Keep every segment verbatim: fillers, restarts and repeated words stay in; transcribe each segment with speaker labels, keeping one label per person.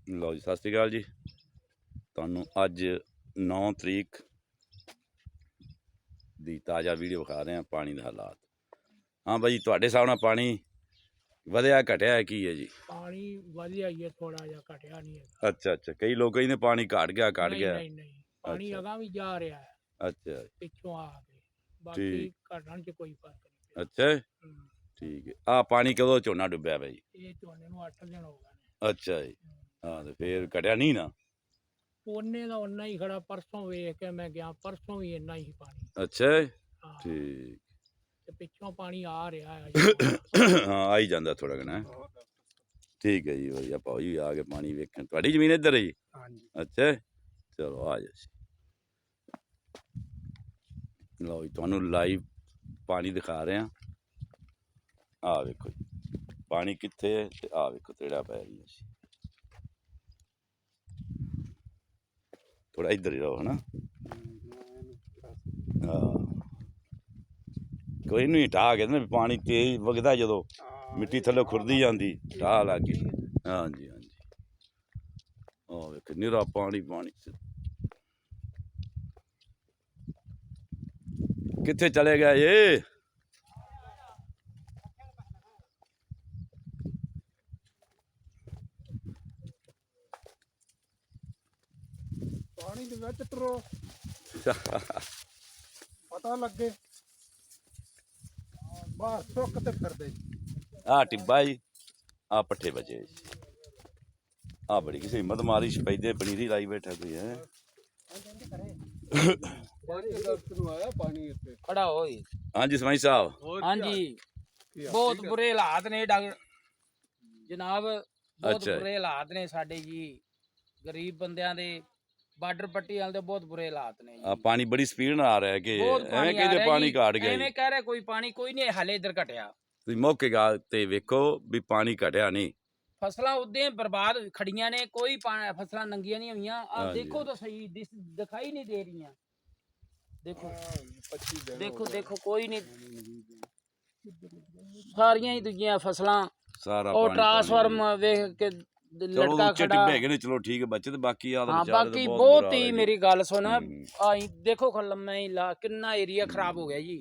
Speaker 1: ਲਓ ਜੀ, ਸਤਿ ਸ਼੍ਰੀ ਅਕਾਲ ਜੀ। ਤੁਹਾਨੂੰ ਅੱਜ ਨੌ ਤਰੀਕ ਦੀ ਤਾਜ਼ਾ ਵੀਡੀਓ ਵਿਖਾ ਰਹੇ ਹਾਂ ਪਾਣੀ ਦੇ ਹਾਲਾਤ। ਹਾਂ ਬਾਈ, ਤੁਹਾਡੇ ਹਿਸਾਬ ਨਾਲ ਪਾਣੀ ਵਧਿਆ ਘਟਿਆ ਕੀ ਹੈ ਜੀ?
Speaker 2: ਪਾਣੀ ਵਧਿਆ ਹੀ ਹੈ, ਥੋੜਾ ਜਿਹਾ, ਘਟਿਆ ਨਹੀਂ ਹੈ।
Speaker 1: ਅੱਛਾ ਅੱਛਾ, ਕਈ ਲੋਕ ਕਹਿੰਦੇ ਪਾਣੀ ਘਟ ਗਿਆ ਘਟ
Speaker 2: ਨਹੀਂ
Speaker 1: ਗਿਆ।
Speaker 2: ਨਹੀਂ ਨਹੀਂ, ਪਾਣੀ
Speaker 1: ਅੱਛਾ
Speaker 2: ਅਗਾਂਹ ਵੀ ਜਾ ਰਿਹਾ ਹੈ
Speaker 1: ਅੱਛਾ
Speaker 2: ਪਿੱਛੋਂ ਆ ਕੇ, ਬਾਕੀ
Speaker 1: ਠੀਕ।
Speaker 2: ਘਟਣ 'ਚ ਕੋਈ ਫਰਕ ਨਹੀਂ ਪਿਆ।
Speaker 1: ਅੱਛਾ
Speaker 2: ਹੂੰ।
Speaker 1: ਠੀਕ ਹੈ। ਆਹ ਪਾਣੀ ਕਦੋਂ ਝੋਨਾ ਡੁੱਬਿਆ ਬਾਈ?
Speaker 2: ਇਹ ਝੋਨੇ ਨੂੰ ਅੱਠ ਦਿਨ ਹੋ ਗਏ ਨੇ।
Speaker 1: ਅੱਛਾ ਜੀ।
Speaker 2: ਹੂੰ।
Speaker 1: ਹਾਂ ਤੇ ਫੇਰ ਘਟਿਆ ਨਹੀਂ ਨਾ?
Speaker 2: ਉਹਨੇ ਦਾ ਉਨਾ ਹੀ ਖੜਾ। ਪਰਸੋਂ ਵੇਖ ਕੇ ਮੈਂ ਗਿਆ, ਪਰਸੋਂ ਵੀ ਇੰਨਾ ਹੀ ਪਾਣੀ।
Speaker 1: ਅੱਛਾ
Speaker 2: ਹਾਂ,
Speaker 1: ਠੀਕ।
Speaker 2: ਤੇ ਪਿੱਛੋਂ ਪਾਣੀ ਆ ਰਿਹਾ ਹੈ।
Speaker 1: ਹਾਂ, ਆ ਹੀ ਜਾਂਦਾ ਥੋੜਾ ਘਣਾ। ਠੀਕ ਹੈ ਜੀ, ਵਧੀਆ। ਭਾਉ ਜੀ ਆ ਕੇ ਪਾਣੀ ਵੇਖਣ। ਤੁਹਾਡੀ ਜ਼ਮੀਨ ਇੱਧਰ ਹੈ ਜੀ?
Speaker 2: ਹਾਂਜੀ।
Speaker 1: ਅੱਛਾ, ਚਲੋ ਆ ਜਾ। ਲਓ ਜੀ, ਤੁਹਾਨੂੰ ਲਾਈਵ ਪਾਣੀ ਦਿਖਾ ਰਹੇ ਹਾਂ। ਆਹ ਵੇਖੋ ਜੀ ਪਾਣੀ ਕਿੱਥੇ ਹੈ ਤੇ ਆਹ ਵੇਖੋ ਤੇੜਾ ਪੈ ਰਹੀ ਹੈ। ਥੋੜਾ ਇੱਧਰ ਹੀ ਰਹੋ ਹਨਾ। ਹਾਂ, ਕੋਈ ਨਹੀਂ, ਢਾਹ ਕੇ ਨਾ ਪਾਣੀ ਤੇਜ਼ ਵਗਦਾ, ਜਦੋਂ ਮਿੱਟੀ ਥੱਲੇ ਖੁਰਦੀ ਜਾਂਦੀ ਢਾਹ ਲੱਗ ਗਈ। ਹਾਂਜੀ ਹਾਂਜੀ, ਆਹ ਵੇਖ ਨਿਰਾ ਪਾਣੀ ਪਾਣੀ। ਕਿੱਥੇ ਚਲੇ ਗਿਆ ਇਹ?
Speaker 2: ਪਾਣੀ ਦੇ ਵਿੱਚ ਟਰੋ ਪਤਾ ਲੱਗੇ ਬਾਹਰ ਸੁੱਕ ਤੇ ਫਿਰਦੇ।
Speaker 1: ਆਹ ਟਿੱਬਾ ਜੀ, ਆਹ ਪੱਠੇ ਬਚੇ ਜੀ। ਆਹ ਬੜੀ ਕਿਸੇ ਹਿੰਮਤ ਮਾਰੀ ਸਪੈਦੇ ਪਨੀਰੀ ਲਾਈ ਬੈਠਾ ਕੋਈ ਹੈ।
Speaker 2: ਖੜਾ ਹੋਈ।
Speaker 1: ਹਾਂਜੀ ਸਮਾਈ ਸਾਹਿਬ।
Speaker 2: ਹਾਂਜੀ, ਬਹੁਤ ਬੁਰੇ ਹਾਲਾਤ ਨੇ ਡਾਕਟਰ ਜਨਾਬ, ਬਹੁਤ
Speaker 1: ਅੱਛਾ
Speaker 2: ਬੁਰੇ ਹਾਲਾਤ ਨੇ ਸਾਡੇ ਜੀ। ਗਰੀਬ ਬੰਦਿਆਂ ਦੇ ਬਾਰਡਰ ਪੱਟੀ ਵਾਲੇ ਦੇ ਬਹੁਤ ਬੁਰੇ ਹਾਲਾਤ ਨੇ
Speaker 1: ਆ
Speaker 2: ਜੀ।
Speaker 1: ਪਾਣੀ ਬੜੀ ਸਪੀਡ ਨਾਲ ਆ ਰਿਹਾ ਕਿ
Speaker 2: ਬਹੁਤ
Speaker 1: ਐਵੇਂ
Speaker 2: ਪਾਣੀ ਆ
Speaker 1: ਕਹਿੰਦੇ
Speaker 2: ਰਿਹਾ
Speaker 1: ਪਾਣੀ
Speaker 2: ਜੀ।
Speaker 1: ਘਟ ਗਿਆ ਜੀ?
Speaker 2: ਐਵੇਂ ਕਹਿ ਰਿਹਾ ਕੋਈ ਪਾਣੀ ਕੋਈ ਨਹੀਂ, ਹਾਲੇ ਇੱਧਰ ਘਟਿਆ।
Speaker 1: ਤੁਸੀਂ ਮੌਕੇ ਗਾ ਤੇ ਵੇਖੋ ਵੀ ਪਾਣੀ ਘਟਿਆ ਨਹੀਂ।
Speaker 2: ਫਸਲਾਂ ਉਦੋਂ ਬਰਬਾਦ ਖੜੀਆਂ ਨੇ, ਕੋਈ ਫਸਲਾਂ ਨੰਗੀਆਂ ਨਹੀਂ ਹੋਈਆਂ। ਆ ਦੇਖੋ ਤਾਂ ਸਹੀ, ਦਿਖਾਈ ਨਹੀਂ ਦੇ ਰਹੀਆਂ। ਦੇਖੋ ਦੇਖੋ ਦੇਖੋ, ਕੋਈ ਨਹੀਂ, ਸਾਰੀਆਂ ਹੀ ਦੂਜੀਆਂ ਫਸਲਾਂ।
Speaker 1: ਸਾਰਾ
Speaker 2: ਉਹ
Speaker 1: ਪਾਣੀ
Speaker 2: ਟਰਾਂਸਫਾਰਮ ਵੇਖ ਕੇ ਲਟਕਾ
Speaker 1: ਉੱਚੇ
Speaker 2: ਖੜਾ।
Speaker 1: ਟਿੱਬੇ ਹੈਗੇ ਨੇ, ਚਲੋ ਠੀਕ ਹੈ ਬੱਚੇ, ਤੇ ਬਾਕੀ ਆ
Speaker 2: ਹਾਂ, ਬਾਕੀ ਬਹੁਤ ਹੀ, ਮੇਰੀ ਗੱਲ ਸੁਣ, ਆਈ ਦੇਖੋ ਲੰਮਾ ਹੀ ਲਾ ਕਿੰਨਾ ਏਰੀਆ ਖਰਾਬ ਹੋ ਗਿਆ ਜੀ।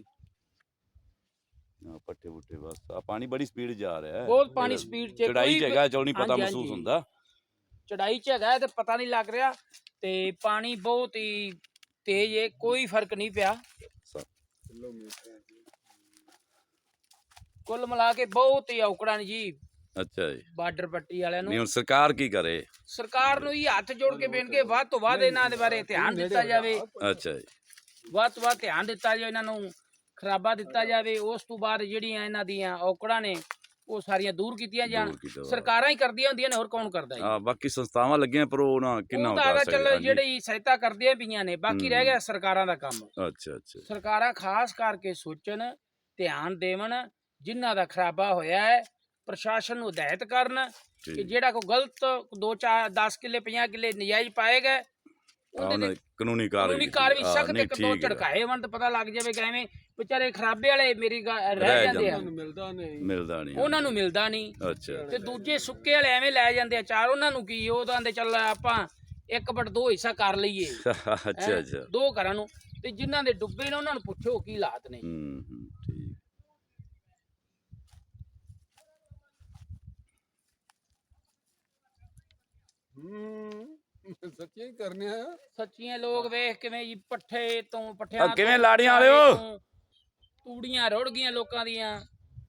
Speaker 1: ਪੱਠੇ ਪੁੱਠੇ ਬਸ ਆ ਪਾਣੀ ਬੜੀ ਸਪੀਡ ਜਾ ਰਿਹਾ ਹੈ।
Speaker 2: ਬਹੁਤ ਪਾਣੀ ਸਪੀਡ ਚ,
Speaker 1: ਚੜਾਈ ਚ ਹੈਗਾ, ਚਲੋ ਨਹੀਂ ਪਤਾ ਮਹਿਸੂਸ ਹੁੰਦਾ।
Speaker 2: ਚੜਾਈ ਚ ਹੈਗਾ ਤੇ ਪਤਾ ਨਹੀਂ ਲੱਗ ਰਿਹਾ, ਤੇ ਪਾਣੀ ਬਹੁਤ ਹੀ ਤੇਜ਼ ਹੈ, ਕੋਈ ਫਰਕ ਨਹੀਂ ਪਿਆ। ਕੁੱਲ ਮਿਲਾ ਕੇ ਬਹੁਤ ਹੀ ਔਕੜਾਂ ਨੇ ਜੀ।
Speaker 1: ਅੱਛਾ ਜੀ,
Speaker 2: ਬਾਰਡਰ ਪੱਟੀ ਵਾਲਿਆਂ ਨੂੰ।
Speaker 1: ਨਹੀਂ ਹੁਣ ਸਰਕਾਰ ਕੀ ਕਰੇ?
Speaker 2: ਸਰਕਾਰ ਨੂੰ ਹੀ ਹੱਥ ਜੋੜ ਕੇ ਬੇਨਤੀ, ਵੱਧ ਤੋਂ ਵੱਧ ਇਹਨਾਂ ਦੇ ਬਾਰੇ ਧਿਆਨ ਦਿੱਤਾ ਜਾਵੇ।
Speaker 1: ਅੱਛਾ ਜੀ,
Speaker 2: ਵੱਧ ਤੋਂ ਵੱਧ ਧਿਆਨ ਦਿੱਤਾ ਜਾਵੇ, ਇਹਨਾਂ ਨੂੰ ਖਰਾਬਾ ਦਿੱਤਾ ਜਾਵੇ। ਉਸ ਤੋਂ ਬਾਅਦ ਜਿਹੜੀਆਂ ਇਹਨਾਂ ਦੀਆਂ ਔਕੜਾਂ ਨੇ ਉਹ ਸਾਰੀਆਂ ਦੂਰ ਕੀਤੀਆਂ ਜਾਣ। ਸਰਕਾਰਾਂ ਹੀ ਕਰਦੀਆਂ ਹੁੰਦੀਆਂ ਨੇ, ਹੋਰ ਕੌਣ ਕਰਦਾ ਜੀ?
Speaker 1: ਹਾਂ, ਬਾਕੀ ਸੰਸਥਾਵਾਂ ਲੱਗੀਆਂ ਪਰ ਉਹ ਨਾ ਕਿੰਨਾ
Speaker 2: ਉਹ ਤਾਂ ਚੱਲ ਜਿਹੜੀ ਸਹਾਇਤਾ ਕਰਦੀਆਂ ਪਈਆਂ ਨੇ, ਬਾਕੀ ਰਹਿ ਗਿਆ ਸਰਕਾਰਾਂ ਦਾ ਕੰਮ।
Speaker 1: ਅੱਛਾ ਅੱਛਾ,
Speaker 2: ਸਰਕਾਰਾਂ ਖਾਸ ਕਰਕੇ ਸੋਚਣ, ਧਿਆਨ ਦੇਵਣ। ਜਿਨ੍ਹਾਂ ਦਾ ਖਰਾਬਾ ਹੋਇਆ ਹੈ, ਪ੍ਰਸ਼ਾਸਨ ਨੂੰ ਹਦਾਇਤ ਕਰਨ ਕਿ ਜਿਹੜਾ ਕੋਈ ਗਲਤ ਦੋ ਚਾਰ ਦਸ ਕਿੱਲੇ ਪੰਜਾਹ ਕਿੱਲੇ ਨਜਾਇਜ਼ ਪਾਏਗਾ, ਉਹਦੇ ਤੇ
Speaker 1: ਕਾਨੂੰਨੀ
Speaker 2: ਕਾਨੂੰਨੀ ਕਾਰਵਾਈ ਸਖਤ ਇੱਕ ਦੋ ਝੜਕਾਏ ਵੰਡ ਤੇ ਪਤਾ ਲੱਗ ਜਾਵੇ ਕਿ ਐਵੇਂ ਵਿਚਾਰੇ ਖਰਾਬੇ ਵਾਲੇ ਮੇਰੀ ਰਹਿ ਜਾਂਦੇ ਆ,
Speaker 1: ਮਿਲਦਾ ਨਹੀਂ ਮਿਲਦਾ ਨਹੀਂ
Speaker 2: ਉਹਨਾਂ ਨੂੰ ਮਿਲਦਾ ਨਹੀਂ।
Speaker 1: ਅੱਛਾ,
Speaker 2: ਤੇ ਦੂਜੇ ਸੁੱਕੇ ਵਾਲੇ ਐਵੇਂ ਲੈ ਜਾਂਦੇ ਆ ਚਾਰ, ਉਹਨਾਂ ਨੂੰ ਕੀ, ਉਹ ਤਾਂ ਚੱਲ ਆਪਾਂ ਇੱਕ ਬਟ ਦੋ ਹਿੱਸਾ ਕਰ ਲਈਏ।
Speaker 1: ਅੱਛਾ ਅੱਛਾ,
Speaker 2: ਦੋ ਘਰਾਂ ਨੂੰ। ਤੇ ਜਿਨ੍ਹਾਂ ਦੇ ਡੁੱਬੇ ਨੇ ਉਹਨਾਂ ਨੂੰ ਪੁੱਛੋ ਕੀ ਹਾਲਾਤ ਨੇ।
Speaker 1: ਹੂੰ ਹੂੰ, ਠੀਕ।
Speaker 3: ਸੱਚੀਆਂ ਹੀ ਕਰਨੇ ਆ,
Speaker 2: ਸੱਚੀਆਂ ਲੋਕ ਵੇਖ ਕਿਵੇਂ ਜੀ ਪੱਠੇ ਤੋਂ ਪੱਠਿਆਂ
Speaker 1: ਕਿਵੇਂ ਲਾੜੀਆਂ ਵਾਲਿਓ
Speaker 2: ਤੂੜੀਆਂ ਰੁੜ ਗਈਆਂ ਲੋਕਾਂ ਦੀਆਂ।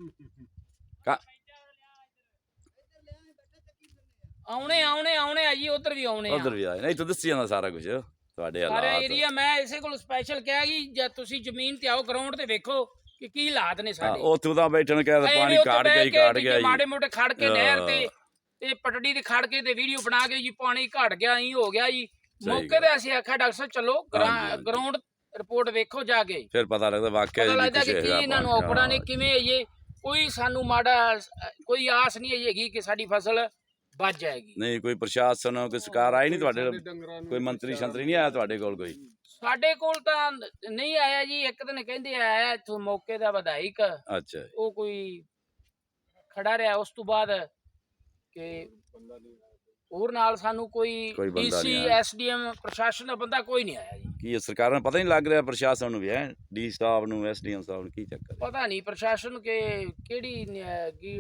Speaker 2: ਆਉਣੇ ਆਉਣੇ ਆਉਣੇ ਆ ਜੀ, ਉਧਰ ਵੀ ਆਉਣੇ ਆ,
Speaker 1: ਉਧਰ ਵੀ ਆਏ। ਨਹੀਂ ਤੂੰ ਦੱਸੀ ਜਾਂਦਾ ਸਾਰਾ ਕੁਝ ਤੁਹਾਡੇ ਹਾਲਾਤ।
Speaker 2: ਸਾਰੇ ਏਰੀਆ ਮੈਂ ਇਸੇ ਕੋਲ ਸਪੈਸ਼ਲ ਕਿਹਾ ਕਿ ਜਦ ਤੁਸੀਂ ਜ਼ਮੀਨ ਤੇ ਆਓ, ਗਰਾਊਂਡ ਤੇ ਵੇਖੋ ਕਿ ਕੀ ਹਾਲਾਤ ਨੇ ਸਾਡੇ।
Speaker 1: ਉੱਥੇ ਤਾਂ ਬੈਠਣ ਕਹਿੰਦਾ ਪਾਣੀ ਕਾੜ ਗਿਆ ਹੀ ਕਾੜ ਗਿਆ,
Speaker 2: ਮਾੜੇ ਮੋਟੇ ਖੜ ਕੇ ਨਹਿਰ ਤੇ ਤੇ ਪਟੜੀ ਦੇ ਖੜ ਕੇ ਤੇ ਵੀਡੀਓ ਬਣਾ ਕੇ ਜੀ ਪਾਣੀ ਘਟ ਗਿਆ, ਹੀ ਹੋ ਗਿਆ ਜੀ। ਮੌਕੇ ਤੇ ਅਸੀਂ ਆਖਿਆ ਡਾਕਟਰ ਸਾਹਿਬ ਚਲੋ ਗਰਾਊਂਡ ਰਿਪੋਰਟ ਵੇਖੋ ਜਾ ਕੇ,
Speaker 1: ਫਿਰ ਪਤਾ ਲੱਗਦਾ ਵਾਕਿਆ
Speaker 2: ਪਤਾ ਲੱਗਦਾ ਕਿ ਕੀ ਇਹਨਾਂ ਨੂੰ ਔਕੜਾਂ ਨੇ, ਕਿਵੇਂ ਇਹ ਕੋਈ ਸਾਨੂੰ ਮਾੜਾ ਕੋਈ ਆਸ ਨਹੀਂ ਹੈਗੀ ਕਿ ਸਾਡੀ ਫਸਲ ਬਚ ਜਾਏਗੀ।
Speaker 1: ਨਹੀਂ ਕੋਈ ਪ੍ਰਸ਼ਾਸਨ ਕੋਈ ਸਰਕਾਰ ਆਈ ਨਹੀਂ ਤੁਹਾਡੇ, ਕੋਈ ਮੰਤਰੀ ਸ਼ੰਤਰੀ ਨਹੀਂ ਆਇਆ ਤੁਹਾਡੇ ਕੋਲ? ਕੋਈ
Speaker 2: ਸਾਡੇ ਕੋਲ ਤਾਂ ਨਹੀਂ ਆਇਆ ਜੀ। ਇੱਕ ਦਿਨ ਕਹਿੰਦੇ ਆਇਆ ਇੱਥੋਂ ਮੌਕੇ ਦਾ ਵਿਧਾਇਕ,
Speaker 1: ਅੱਛਾ,
Speaker 2: ਉਹ ਕੋਈ ਖੜਾ ਰਿਹਾ। ਉਸ ਤੋਂ ਬਾਅਦ ਕਿ ਹੋਰ ਨਾਲ ਸਾਨੂੰ ਕੋਈ
Speaker 1: ਕੋਈ ਬੰਦਾ
Speaker 2: ਡੀਸੀ
Speaker 1: ਨਹੀਂ ਆਇਆ।
Speaker 2: ਐਸਡੀਐਮ ਪ੍ਰਸ਼ਾਸਨ ਦਾ ਬੰਦਾ ਕੋਈ ਨਹੀਂ ਆਇਆ ਜੀ।
Speaker 1: ਕੀ ਇਹ ਸਰਕਾਰਾਂ ਨੂੰ ਪਤਾ ਨਹੀਂ ਲੱਗ ਰਿਹਾ, ਪ੍ਰਸ਼ਾਸਨ ਨੂੰ ਵੀ ਹੈ, ਡੀ ਸਾਹਿਬ ਨੂੰ, ਐਸਡੀਐਮ ਸਾਹਿਬ ਨੂੰ, ਕੀ ਚੱਕਰ ਹੈ?
Speaker 2: ਪਤਾ ਨਹੀਂ ਪ੍ਰਸ਼ਾਸਨ ਕੇ ਕਿਹੜੀ ਨ- ਕੀ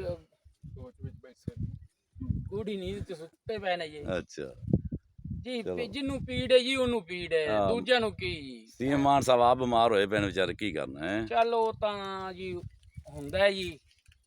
Speaker 2: ਗੂੜੀ ਨੀਂਦ ਤੇ ਸੁੱਤੇ ਪਏ ਨੇ ਜੀ।
Speaker 1: ਅੱਛਾ
Speaker 2: ਜੀ
Speaker 1: ਚਲੋ।
Speaker 2: ਪੀ- ਜਿਹਨੂੰ ਪੀੜ ਹੈ ਜੀ ਉਹਨੂੰ ਪੀੜ ਹੈ,
Speaker 1: ਹਾਂ।
Speaker 2: ਦੂਜਿਆਂ ਨੂੰ ਕੀ ਜੀ।
Speaker 1: ਸੀਐਮ ਮਾਨ ਸਾਹਿਬ ਆਪ ਬਿਮਾਰ ਹੋਏ ਪਏ ਨੇ ਵਿਚਾਰੇ, ਕੀ ਕਰਨਾ ਹੈ?
Speaker 2: ਚੱਲ ਉਹ ਤਾਂ ਜੀ ਹੁੰਦਾ ਹੈ ਜੀ,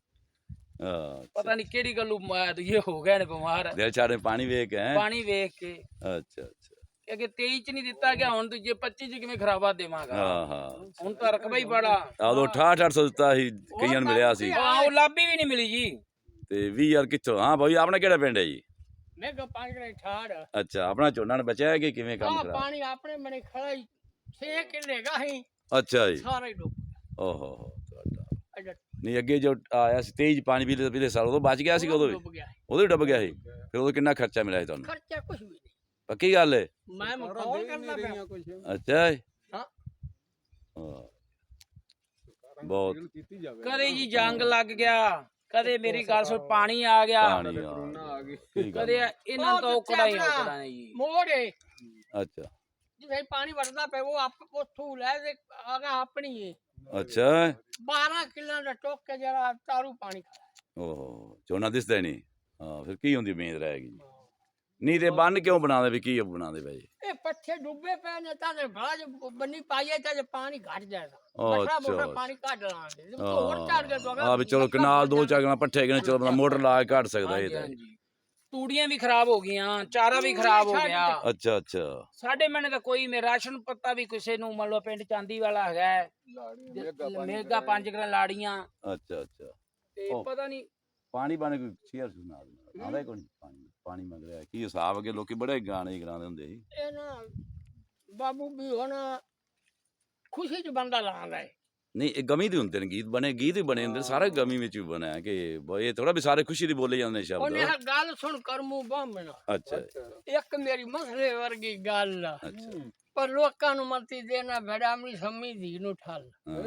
Speaker 1: ਹਾਂ,
Speaker 2: ਪਤਾ ਨਹੀਂ ਕਿਹੜੀ ਗੱਲੋਂ ਮ- ਇਹ ਹੋ ਗਏ ਨੇ ਬਿਮਾਰ
Speaker 1: ਦਿਲ ਛਾੜੇ ਪਾਣੀ ਵੇਖ ਕੇ ਹੈ।
Speaker 2: ਪਾਣੀ ਵੇਖ ਕੇ।
Speaker 1: ਅੱਛਾ ਅੱਛਾ,
Speaker 2: ਕਿ ਤੇਈ ਚ ਨਹੀਂ ਦਿੱਤਾ ਗਿਆ, ਹੁਣ ਦੂਜੇ ਪੱਚੀ ਚ ਕਿਵੇਂ ਖਰਾਬਾ ਦੇਵਾਂਗਾ।
Speaker 1: ਹਾਂ ਹਾਂ,
Speaker 2: ਹੁਣ ਤਾਂ ਰਕਬਾ ਹੀ ਬੜਾ।
Speaker 1: ਆਦੋਂ ਅਠਾਹਠ ਅੱਠ ਸੌ ਦਿੱਤਾ ਸੀ, ਕਈਆਂ ਨੂੰ ਮਿਲਿਆ ਸੀ,
Speaker 2: ਹਾਂ ਉਹ ਲਾਭੀ ਵੀ ਨਹੀਂ ਮਿਲੀ ਜੀ।
Speaker 1: ਤੇ ਵੀਹ ਹਜ਼ਾਰ ਕਿੱਥੋਂ? ਹਾਂ ਭਾਈ, ਆਪਣਾ ਕਿਹੜਾ ਪਿੰਡ ਹੈ ਜੀ?
Speaker 3: ਮੈਂ ਕਿਹਾ ਪਾਣੀ ਦੇ ਠਾੜ
Speaker 1: ਅੱਛਾ, ਆਪਣਾ ਝੋਨਾ ਨੇ ਬਚਿਆ ਹੈ ਕਿ ਕਿਵੇਂ ਕੰਮ
Speaker 3: ਆ
Speaker 1: ਕਰਾ?
Speaker 3: ਪਾਣੀ ਆਪਣੇ ਮਨੇ ਖੜਾ ਹੀ ਛੇ ਕਿੱਲੇ ਗਾਹੀ
Speaker 1: ਅੱਛਾ ਜੀ,
Speaker 3: ਸਾਰਾ ਹੀ ਡੁੱਬ
Speaker 1: ਓਹੋ ਹੋ ਤੁਹਾਡਾ।
Speaker 3: ਗਿਆ
Speaker 1: ਨਹੀਂ ਅੱਗੇ ਜੋ ਆਇਆ ਸੀ ਤੇਜ਼ ਪਾਣੀ ਪਿਛਲੇ ਪਿਛਲੇ ਸਾਲ, ਉਦੋਂ ਬਚ ਗਿਆ ਸੀ, ਉਦੋਂ ਵੀ
Speaker 3: ਡੁੱਬ ਗਿਆ
Speaker 1: ਉਦੋਂ ਹੀ ਡੁੱਬ ਗਿਆ ਸੀ। ਫਿਰ ਉਦੋਂ ਕਿੰਨਾ ਖਰਚਾ ਮਿਲਿਆ ਸੀ ਤੁਹਾਨੂੰ?
Speaker 3: ਖਰਚਾ ਕੁਝ ਵੀ ਨਹੀਂ
Speaker 1: ਪੱਕੀ ਗੱਲ ਹੈ?
Speaker 3: ਮੈਂ ਮਖੌਲ ਕਰਦਾ ਪਿਆ
Speaker 1: ਅੱਛਾ ਜੀ,
Speaker 3: ਹਾਂ।
Speaker 1: ਹਾਂ, ਬਹੁਤ
Speaker 2: ਕਦੇ ਜੀ ਜੰਗ ਲੱਗ ਗਿਆ, ਕਦੇ ਮੇਰੀ ਗੱਲ ਸੁਣ ਪਾਣੀ ਆ ਗਿਆ,
Speaker 1: ਪਾਣੀ ਆ ਗਿਆ। ਕੀ ਗੱਲ
Speaker 2: ਕਦੇ
Speaker 1: ਹੈ?
Speaker 2: ਇਹਨਾਂ ਤੋਂ
Speaker 3: ਉਹ
Speaker 2: ਔਕੜਾ ਹੀ
Speaker 3: ਦੱਸਿਆ
Speaker 2: ਔਕੜਾ ਨੇ ਜੀ।
Speaker 3: ਮੋੜੇ
Speaker 1: ਅੱਛਾ
Speaker 3: ਜਿਵੇਂ ਪਾਣੀ ਵਰਦਾ ਪਿਆ ਉਹ ਆਪ ਉੱਥੋਂ ਲੈ ਦੇ ਆਗਾ ਆਪਣੀ ਹੈ
Speaker 1: ਅੱਛਾ,
Speaker 3: ਬਾਰਾਂ ਕਿੱਲਾਂ ਦਾ ਟੋਕ ਕੇ ਜਿਹੜਾ ਤਾਰੂ ਪਾਣੀ ਖਾ
Speaker 1: ਓਹੋ ਝੋਨਾ ਦਿਸਦਾ ਹੀ ਨਹੀਂ। ਹਾਂ, ਫਿਰ ਕੀ ਹੁੰਦੀ ਉਮੀਦ ਰਹੇਗੀ? ਨਹੀਂ ਤੇ ਬੰਨ ਕਿਉਂ ਬਣਾਉਂਦੇ ਵੀ, ਕੀ ਬਣਾਉਂਦੇ ਪਏ?
Speaker 3: ਇਹ ਪੱਠੇ ਡੁੱਬੇ ਪਏ ਨੇ ਤਾਂ ਬੜਾ ਜਿਹਾ ਬੰਨੀ ਪਾਈਏ ਤਾਂ ਜੇ ਪਾਣੀ ਘਟ ਜਾਏਗਾ
Speaker 1: ਅੱਛਾ,
Speaker 3: ਬੜਾ ਮੋਟਾ ਪਾਣੀ ਕੱਢ ਲਾਂਗੇ ਹੋਰ ਚੜ ਗਿਆ ਤਾਂ
Speaker 1: ਹਾਂ ਵੀ ਚਲੋ ਕਨਾਲ ਦੋ ਚਾਗਣਾ ਪੱਠੇ ਗਏ, ਚਲੋ ਬੰਦਾ ਮੋਟਰ ਲਾ ਕੇ ਕੱਢ ਸਕਦਾ ਇਹ
Speaker 2: ਹਾਂਜੀ,
Speaker 1: ਤਾਂ।
Speaker 2: ਹਾਂਜੀ। ਤੂੜੀਆਂ ਵੀ ਖਰਾਬ ਹੋ ਗਈਆਂ, ਚਾਰਾ ਵੀ ਖਰਾਬ ਹੋ ਗਿਆ।
Speaker 1: ਅੱਛਾ ਅੱਛਾ,
Speaker 2: ਸਾਡੇ ਮਨੇ ਤਾਂ ਕੋਈ ਮੇ ਰਾਸ਼ਨ ਪੱਤਾ ਵੀ ਕਿਸੇ ਨੂੰ ਮੰਨ ਲਓ ਪਿੰਡ ਚਾਂਦੀ ਵਾਲਾ ਹੈਗਾ ਹੈ, ਮੇਗਾ ਪੰਜ ਗਰਾਂ ਲਾੜੀਆਂ
Speaker 1: ਅੱਛਾ ਅੱਛਾ।
Speaker 2: ਤੇ
Speaker 1: ਉਹ।
Speaker 2: ਪਤਾ ਨਹੀਂ
Speaker 1: ਪਾਣੀ ਬਾਣੇ ਕੋਈ ਸ਼ੇਅਰ ਸੁਣਾ ਆਉਂਦਾ ਕੋਈ ਪਾਣੀ ਪਾਣੀ ਮੰਗ ਰਿਹਾ ਕੀ ਹਿਸਾਬ? ਅੱਗੇ ਲੋਕੀ ਬੜੇ ਗਾਣੇ ਗਾਉਂਦੇ ਹੁੰਦੇ ਸੀ।
Speaker 3: ਇਹ ਨਾ ਬਾਬੂ ਵੀ ਹੁਣ ਖੁਸ਼ੀ ਚ ਬੰਦਾ ਲਾਉਂਦਾ ਹੈ
Speaker 1: ਨਹੀਂ ਇਹ ਗਮੀ ਦੇ ਹੁੰਦੇ ਨੇ ਗੀਤ ਬਣੇ, ਗੀਤ ਹੀ ਬਣੇ ਹੁੰਦੇ ਸਾਰੇ ਗਮੀ ਵਿੱਚ ਵੀ ਬਣਿਆ ਕਿ ਬ- ਇਹ ਥੋੜਾ ਵੀ ਸਾਰੇ ਖੁਸ਼ੀ ਦੀ ਬੋਲੇ ਜਾਂਦੇ ਸ਼ਬਦ।
Speaker 3: ਉਹਨੇ ਆਹ ਗੱਲ ਸੁਣ ਕਰਮੂ ਬੰਮਣਾ
Speaker 1: ਅੱਛਾ
Speaker 3: ਇੱਕ ਮੇਰੀ ਮਸਲੇ ਵਰਗੀ ਗੱਲ ਆ।
Speaker 1: ਅੱਛਾ,
Speaker 3: ਪਰ ਲੋਕਾਂ ਨੂੰ ਮਤੀ ਦੇਣਾ ਭੜਾ ਆਪਣੀ ਸੰਮੀ ਦੀ ਨੂੰ ਠੱਲ
Speaker 1: ਹਾਂ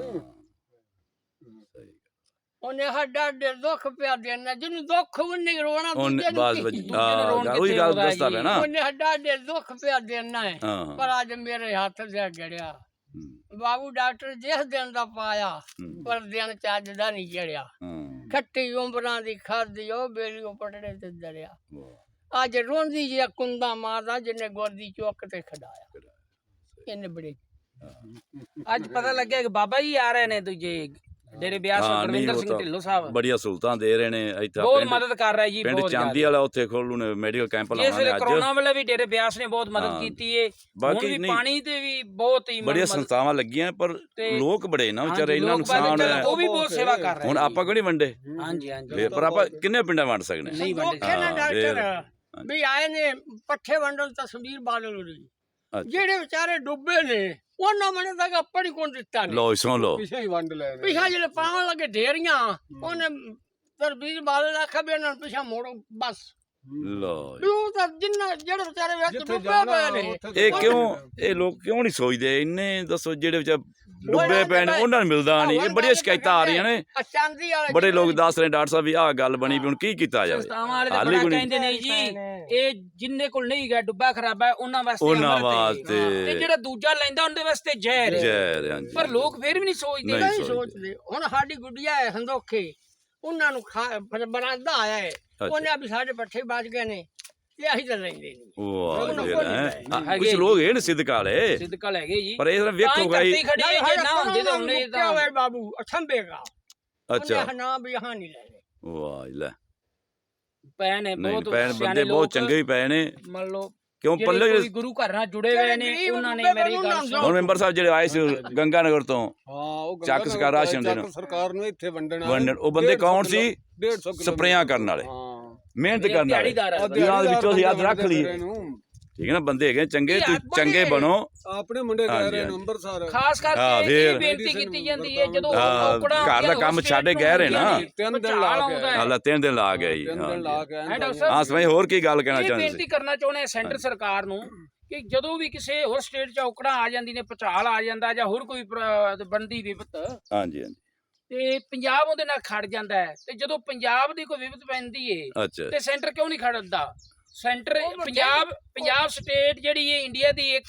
Speaker 1: ਸਹੀ।
Speaker 3: ਉਹਨੇ ਸਾਡਾ ਡੇ ਦੁੱਖ ਪਿਆ ਦੇਣਾ ਜਿਹਨੂੰ ਦੁੱਖ ਵੀ ਨਹੀਂ ਰੋਣਾ
Speaker 1: ਉਹਨੇ
Speaker 3: ਦੂਜੇ ਨੂੰ
Speaker 1: ਬਾਸ
Speaker 3: ਕੀ?
Speaker 2: ਦੂਜੇ ਨੂੰ ਰੋਣ
Speaker 1: ਉਹੀ
Speaker 2: ਕਿੱਥੇ
Speaker 1: ਗੱਲ
Speaker 2: ਆਉਂਦਾ
Speaker 1: ਦੱਸਦਾ
Speaker 2: ਜੀ।
Speaker 1: ਪਿਆ ਨਾ।
Speaker 3: ਉਹਨੇ ਸਾਡਾ ਡੇ ਦੁੱਖ ਪਿਆ ਦੇਣਾ ਹੈ
Speaker 1: ਹਾਂ ਹਾਂ,
Speaker 3: ਪਰ ਅੱਜ ਮੇਰੇ ਹੱਥ ਜਾ ਗੜਿਆ
Speaker 1: ਹੂੰ,
Speaker 3: ਬਾਬੂ ਡਾਕਟਰ ਜਿਸ ਦਿਨ ਦਾ ਪਾਇਆ
Speaker 1: ਹੂੰ,
Speaker 3: ਪਰ ਦਿਨ ਚੱਜ ਦਾ ਨਹੀਂ ਚੜਿਆ
Speaker 1: ਹਾਂ,
Speaker 3: ਖੱਟੀ ਉਮਰਾਂ ਦੀ ਖਾਦੀ ਉਹ ਬੇਲੀ ਉਹ ਪਟੜੇ ਤੇ ਦਰਿਆ
Speaker 1: ਵਾਹ,
Speaker 3: ਅੱਜ ਰੋਂਦੀ ਜੇ ਕੁੰਦਾ ਮਾਰਦਾ ਜਿਹਨੇ ਗੋਦੀ ਚੁੱਕ ਤੇ ਖੜਾਇਆ ਇਹਨੇ ਬੜੇ
Speaker 2: ਅੱਜ ਪਤਾ ਲੱਗਿਆ ਕਿ ਬਾਬਾ ਜੀ ਆ ਰਹੇ ਨੇ ਦੂਜੇ ਡੇਰੇ ਬਿਆਸ
Speaker 1: ਹਾਂ, ਨਹੀਂ,
Speaker 2: ਗੁਰਵਿੰਦਰ
Speaker 1: ਉਹ
Speaker 2: ਸਿੰਘ
Speaker 1: ਤਾਂ
Speaker 2: ਢਿੱਲੋਂ ਸਾਹਿਬ
Speaker 1: ਬੜੀਆਂ ਸਹੂਲਤਾਂ ਦੇ ਰਹੇ ਨੇ ਇੱਥੇ
Speaker 2: ਬਹੁਤ
Speaker 1: ਪਿੰਡ-
Speaker 2: ਮਦਦ ਕਰ ਰਿਹਾ ਜੀ,
Speaker 1: ਪਿੰਡ
Speaker 2: ਬਹੁਤ
Speaker 1: ਚਾਂਦੀ
Speaker 2: ਜ਼ਿਆਦਾ।
Speaker 1: ਵਾਲਾ ਉੱਥੇ ਖੋਲੂ ਨੇ ਮੈਡੀਕਲ ਕੈਂਪ
Speaker 2: ਇਸ
Speaker 1: ਲਾਉਣਾ
Speaker 2: ਵੇਲੇ
Speaker 1: ਨੇ ਅੱਜ।
Speaker 2: ਕਰੋਨਾ ਵੇਲੇ ਵੀ ਡੇਰੇ ਬਿਆਸ ਨੇ ਬਹੁਤ ਮਦਦ
Speaker 1: ਹਾਂ।
Speaker 2: ਕੀਤੀ ਏ।
Speaker 1: ਬਾਕੀ
Speaker 2: ਹੁਣ ਵੀ
Speaker 1: ਨਹੀਂ,
Speaker 2: ਪਾਣੀ ਤੇ ਵੀ ਬਹੁਤ ਹੀ
Speaker 1: ਬੜੀਆਂ
Speaker 2: ਮਦਦ-
Speaker 1: ਸੰਸਥਾਵਾਂ ਲੱਗੀਆਂ ਪਰ
Speaker 2: ਤੇ
Speaker 1: ਲੋਕ ਬੜੇ ਨਾ
Speaker 2: ਹਾਂਜੀ,
Speaker 1: ਵਿਚਾਰੇ ਇੰਨਾ
Speaker 2: ਲੋਕ
Speaker 1: ਨੁਕਸਾਨ
Speaker 2: ਬਾਕੀ
Speaker 1: ਹੋਇਆ।
Speaker 2: ਉਹ ਵੀ ਬਹੁਤ ਸੇਵਾ ਕਰ ਰਹੇ
Speaker 1: ਹੁਣ
Speaker 2: ਨੇ
Speaker 1: ਆਪਾਂ ਕਿਉਂ ਨਹੀਂ ਵੰਡੇ?
Speaker 2: ਹਾਂਜੀ ਹਾਂਜੀ
Speaker 1: ਫਿਰ ਪਰ ਆਪਾਂ ਕਿੰਨੇ ਪਿੰਡਾਂ ਵੰਡ ਸਕਦੇ ਹਾਂ?
Speaker 2: ਨਹੀਂ ਵੰਡੇ
Speaker 3: ਦੁੱਖੇ ਨਾ
Speaker 1: ਹਾਂ, ਫੇਰ।
Speaker 3: ਡਾਕਟਰ ਵੀ ਆਏ ਨੇ ਪੱਠੇ ਵੰਡਣ ਤਸਵੀਰ ਬਾਦਲ ਦੀ
Speaker 1: ਅੱਛਾ।
Speaker 3: ਜਿਹੜੇ ਵਿਚਾਰੇ ਡੁੱਬੇ ਨੇ ਉਹਨਾਂ ਮਨੇ ਤੱਕ ਆਪਣੀ ਕੋਣ ਦਿੱਤਾ ਨੇ
Speaker 1: ਲੋ ਸੁਣ ਲੋ,
Speaker 4: ਪਿਛੇ ਹੀ ਵੰਡ ਲੈ ਰਹੇ
Speaker 3: ਪਿਛਾ ਜਿਹੜੇ ਪਾਵਣ ਲੱਗੇ ਢੇਰੀਆਂ ਉਹਨੇ ਤਰਬੀਰ ਬਾਦਲ ਆਖਿਆ ਵੀ ਇਹਨਾਂ ਨੂੰ ਪਿਛਾ ਮੋੜੋ ਬਸ
Speaker 1: ਲੋ
Speaker 3: ਵੀ ਉਹ ਤਾਂ ਜਿੰਨਾ ਜਿਹੜੇ ਵਿਚਾਰੇ ਵਿੱਚ
Speaker 4: ਜਿੱਥੇ
Speaker 3: ਡੁੱਬੇ
Speaker 4: ਜਾਣਾ
Speaker 3: ਪਏ ਨੇ
Speaker 4: ਉੱਥੇ
Speaker 1: ਇਹ ਕਿਉਂ ਇਹ ਲੋਕ ਕਿਉਂ ਨਹੀਂ ਸੋਚਦੇ ਇੰਨੇ? ਦੱਸੋ ਜਿਹੜੇ ਵਿਚਾਰ ਡੁੱਬੇ ਪਏ ਨੇ ਉਹਨਾਂ ਨੂੰ ਮਿਲਦਾ ਨਹੀਂ। ਇਹ ਬੜੀਆਂ ਸ਼ਿਕਾਇਤਾਂ ਆ ਰਹੀਆਂ ਨੇ,
Speaker 3: ਆ ਚਾਂਦੀ ਵਾਲੇ
Speaker 1: ਬੜੇ ਲੋਕ ਦੱਸ ਰਹੇ ਡਾਕਟਰ ਸਾਹਿਬ ਵੀ ਆਹ ਗੱਲ ਬਣੀ ਵੀ ਹੁਣ ਕੀ ਕੀਤਾ ਜਾਵੇ?
Speaker 2: ਸੰਸਥਾਵਾਂ ਵਾਲੇ ਤਾਂ
Speaker 1: ਹਾਲੇ
Speaker 2: ਬੜਾ
Speaker 1: ਕੋਈ ਨਹੀਂ।
Speaker 2: ਕਹਿੰਦੇ ਨੇ ਜੀ ਇਹ ਜਿੰਨੇ ਕੋਲ ਨਹੀਂ ਗਿਆ ਡੁੱਬਾ ਖਰਾਬਾ ਹੈ, ਉਹਨਾਂ ਵਾਸਤੇ
Speaker 1: ਉਹਨਾਂ
Speaker 2: ਅੰਮ੍ਰਿਤ ਹੈ।
Speaker 1: ਵਾਸਤੇ।
Speaker 2: ਤੇ ਜਿਹੜਾ ਦੂਜਾ ਲੈਂਦਾ ਉਹਦੇ ਵਾਸਤੇ ਜ਼ਹਿਰ ਹੈ।
Speaker 1: ਜੈ ਹਾਂਜੀ।
Speaker 2: ਪਰ ਲੋਕ ਫੇਰ ਵੀ ਨਹੀਂ ਸੋਚਦੇ।
Speaker 1: ਨਹੀਂ
Speaker 3: ਨਹੀਂ
Speaker 1: ਸੋਚਦੇ।
Speaker 3: ਸੋਚਦੇ ਹੁਣ ਸਾਡੀ ਗੁੱਡੀਆ ਹੈ ਹੰਦੋਖੇ ਉਹਨਾਂ ਨੂੰ ਖਾ ਬਣਾਦਾ ਆਇਆ ਹੈ ਉਹਨੇ ਆ ਵੀ ਸਾਡੇ ਪੱਠੇ ਬਚ ਗਏ ਨੇ ਤੇ ਅਸੀਂ ਤਾਂ ਲੈਂਦੇ ਨਹੀਂ
Speaker 1: ਵਾਹ
Speaker 3: ਉਹਨਾਂ
Speaker 1: ਜੀ
Speaker 3: ਕੋਲ
Speaker 1: ਹੈਂ।
Speaker 3: ਨਹੀਂ
Speaker 1: ਹਾਂ,
Speaker 2: ਹੈਗੇ
Speaker 1: ਕੁਛ ਲੋਕ ਇਹ ਨੇ ਸਿੱਧਕ ਵਾਲੇ,
Speaker 2: ਸਿੱਧਕਾ ਲੈ ਗਏ ਜੀ।
Speaker 1: ਪਰ ਇਹ
Speaker 2: ਤਾਂ
Speaker 1: ਵੇਖੋ
Speaker 2: ਹੀ
Speaker 1: ਭਾਈ।
Speaker 2: ਧਰਤੀ ਖੜੀ ਹੈ, ਜੇ ਨਾ ਹੁੰਦੇ ਤਾਂ ਉਹਨੇ ਤਾਂ
Speaker 3: ਹੋਵੇ ਬਾਬੂ ਅਠੰਬੇਗਾ
Speaker 1: ਅੱਛਾ
Speaker 3: ਉਹਨੇ ਨਾ ਵੀ ਹਾਂ ਨਹੀਂ ਲੈਣੇ
Speaker 1: ਵਾਹ ਲੈ,
Speaker 2: ਪੈ ਨੇ
Speaker 1: ਨਹੀਂ
Speaker 2: ਬਹੁਤ
Speaker 1: ਪੈਣ
Speaker 2: ਸਿਆਣੇ
Speaker 1: ਬੰਦੇ ਬਹੁਤ
Speaker 2: ਲੋਕ,
Speaker 1: ਚੰਗੇ ਹੀ ਪਏ ਨੇ।
Speaker 2: ਮੰਨ ਲਓ
Speaker 1: ਕਿਉਂ
Speaker 2: ਜਿਹੜੇ
Speaker 1: ਪੱਲੇ
Speaker 2: ਕੋਈ ਗੁਰੂ ਘਰ ਨਾਲ ਜੁੜੇ ਹੋਏ ਨੇ
Speaker 3: ਜਿਹੜੇ
Speaker 2: ਉਹਨਾਂ ਨੇ
Speaker 3: ਗਰੀਬ
Speaker 2: ਮੇਰੀ ਗੱਲ
Speaker 3: ਬੰਦੇ
Speaker 2: ਸੁਣੋ।
Speaker 1: ਹੁਣ ਮੈਂਬਰ ਸਾਹਿਬ ਜਿਹੜੇ ਆਏ ਸੀ ਗੰਗਾ ਨਗਰ ਤੋਂ
Speaker 4: ਹਾਂ ਉਹ
Speaker 1: ਚੱਕ ਸਰਕਾਰ ਰਾਸ਼ਨ ਦੇਣ।
Speaker 4: ਸਰਕਾਰ ਨੂੰ ਇੱਥੇ ਵੰਡਣਾ
Speaker 1: ਵੰਡਣ ਉਹ ਬੰਦੇ ਕੌਣ ਸੀ?
Speaker 4: ਡੇਢ ਸੌ ਕਿਲੋ
Speaker 1: ਸਪਰੇਆਂ ਕਰਨ ਵਾਲੇ,
Speaker 4: ਹਾਂ
Speaker 1: ਮਿਹਨਤ ਕਰਨ ਵਾਲੇ,
Speaker 2: ਦਿਹਾੜੀਦਾਰ ਹੈ।
Speaker 1: ਜਿਹਨਾਂ ਦੇ ਵਿੱਚੋਂ ਅਸੀਂ ਹੱਥ ਰੱਖ ਲਈਏ।
Speaker 4: ਰਹੇ ਨੂੰ।
Speaker 1: ਠੀਕ ਹੈ ਨਾ, ਬੰਦੇ ਹੈਗੇ ਚੰਗੇ,
Speaker 2: ਇਹ
Speaker 1: ਤੁਸੀਂ
Speaker 2: ਆਪ
Speaker 1: ਚੰਗੇ
Speaker 2: ਬਣੇ।
Speaker 1: ਬਣੋ।
Speaker 4: ਆਪਣੇ ਮੁੰਡੇ ਕਹਿ
Speaker 1: ਹਾਂਜੀ,
Speaker 4: ਰਹੇ ਨੇ
Speaker 1: ਹਾਂਜੀ।
Speaker 4: ਅੰਮ੍ਰਿਤਸਰ
Speaker 2: ਖਾਸ
Speaker 1: ਹਾਂ,
Speaker 2: ਕਰਕੇ
Speaker 1: ਫੇਰ।
Speaker 2: ਇਹ ਬੇਨਤੀ ਕੀਤੀ ਜਾਂਦੀ ਹੈ ਜਦੋਂ
Speaker 1: ਹਾਂ,
Speaker 2: ਔਕੜਾਂ
Speaker 1: ਘਰ ਦਾ
Speaker 2: ਆਉਂਦੀਆਂ,
Speaker 1: ਕੰਮ
Speaker 2: ਉਸ
Speaker 1: ਛੱਡ ਕੇ
Speaker 2: ਸਟੇਟ
Speaker 1: ਗਏ ਰਹੇ
Speaker 2: ਨੂੰ
Speaker 1: ਨਾ।
Speaker 4: ਤਿੰਨ ਦਿਨ
Speaker 2: ਭੁਚਾਲ
Speaker 4: ਲਾ
Speaker 2: ਆਉਂਦਾ
Speaker 4: ਕੇ
Speaker 2: ਹੈ।
Speaker 1: ਹਾਲਾ ਤਿੰਨ ਦਿਨ ਲਾ ਗਏ ਜੀ।
Speaker 4: ਤਿੰਨ ਦਿਨ ਲਾ
Speaker 1: ਹਾਂ
Speaker 4: ਕੇ
Speaker 2: ਹੈ ਡਾਕਟਰ ਸਾਹਿਬ।
Speaker 1: ਹਾਂ ਸਮਝ ਹੋਰ ਕੀ ਗੱਲ ਕਹਿਣਾ
Speaker 2: ਇਹ
Speaker 1: ਚਾਹੁੰਦੇ
Speaker 2: ਬੇਨਤੀ
Speaker 1: ਸੀ?
Speaker 2: ਕਰਨਾ ਚਾਹੁੰਦੇ ਹਾਂ ਸੈਂਟਰ ਸਰਕਾਰ ਨੂੰ ਕਿ ਜਦੋਂ ਵੀ ਕਿਸੇ ਹੋਰ ਸਟੇਟ 'ਚ ਔਕੜਾਂ ਆ ਜਾਂਦੀ ਨੇ, ਭੁਚਾਲ ਆ ਜਾਂਦਾ ਜਾਂ ਹੋਰ ਕੋਈ ਪ੍ਰ- ਬਣਦੀ ਵਿਪਤ,
Speaker 1: ਹਾਂਜੀ ਹਾਂਜੀ
Speaker 2: ਤੇ ਪੰਜਾਬ ਉਹਦੇ ਨਾਲ ਖੜ ਜਾਂਦਾ ਹੈ। ਤੇ ਜਦੋਂ ਪੰਜਾਬ ਦੀ ਕੋਈ ਵਿਪਤ ਪੈਂਦੀ ਏ
Speaker 1: ਅੱਛਾ
Speaker 2: ਤੇ ਸੈਂਟਰ ਕਿਉਂ ਨਹੀਂ ਖੜਦਾ? ਸੈਂਟਰ
Speaker 3: ਉਹ ਵੱਡੇ-
Speaker 2: ਪੰਜਾਬ ਪੰਜਾਬ ਸਟੇਟ ਜਿਹੜੀ ਹੈ ਇੰਡੀਆ ਦੀ ਇੱਕ